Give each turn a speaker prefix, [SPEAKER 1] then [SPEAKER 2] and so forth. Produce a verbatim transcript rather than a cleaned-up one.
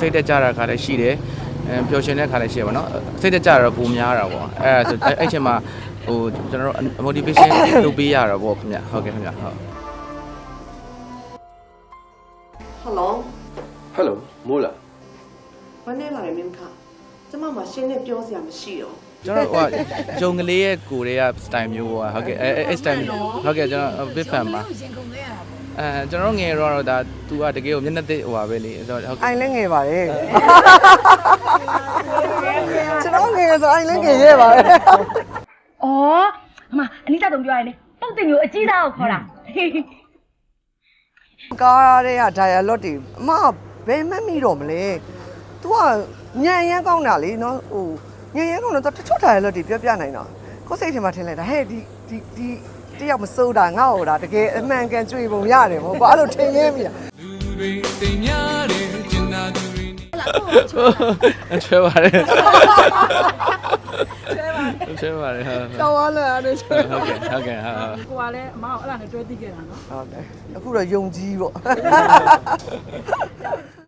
[SPEAKER 1] တ်တက်ကြတာခါလည်းရှိတယ်ပျော်ရွှင်တဲ့ခါလည်းရှိရပါတော့စိတ်တက်ကြတော့ပုံများတာပေါ့အဲဆိုအဲ့ချိန်မှာဟိုကျွန်တော်တို့ motivation လုပ်ပေးရတာပေါ့ခင်ဗျဟုတ်ကဲ့ခင်ဗျဟုတ်
[SPEAKER 2] Hello
[SPEAKER 3] Hello မိုးလား
[SPEAKER 2] မနေ့လာတယ်မင်းခကျမမှရှင်းနဲ့ပြောစရာမရှိတော့
[SPEAKER 1] ကျွန်တော်ဟိုဂျုံကလေးရဲ့ကိုတွေက style မျိုးပေါ့ဟုတ်ကဲ့အဲအဲ style ဟုတ်ကဲ့ကျွန်တော် big fan ပါအဲကျွန်တော်ငယ်တော့ဒါ तू ကတကယ်ကိုမျက်နှာသိဟိုပါပဲလေဆိုတော့ဟုတ်ကဲ့
[SPEAKER 4] အိုင်လည်းငယ်ပါတယ်ကျွန်တော်ငယ်ဆိုအိုင်လည်းငယ်ရဲပါတယ်
[SPEAKER 5] 哦，妈，你咋懂表演呢？到底有几道考啦？
[SPEAKER 4] ကားတွေက dialogue တွေအမဘယ်မှမမိတော့မလဲ तू ကညံရမ်းကောင်းတာလေနော်ဟိုညံရမ်းကောင်းတော့တချို့ dialogue တွေပြောပြနိုင်တာကိုယ်စိတ်ထဲမှာထင်လိုက်တာဟဲ့ဒီဒီဒီတယောက်မစိုးတာငါ့ဟိုတာတကယ်အမှန်ကန်ကြွေပုံရတယ်မဟုတ်ပါအဲ့လိုထင်ရင်းမိတာ
[SPEAKER 1] ချွဲပါတယ်ချွဲပါတယ်ဟုတ်
[SPEAKER 4] တော်သွားလဲအဲ့လိုချွေ
[SPEAKER 1] ဟုတ်ကဲ့ဟုတ်ကဲ့ဟုတ်
[SPEAKER 6] ကိုကလည်းအမကိုအဲ့ဒါနဲ့တွဲသိခဲ့တာနော်
[SPEAKER 4] ဟုတ်တယ်အခုတော့ယုံကြည်ပေါ့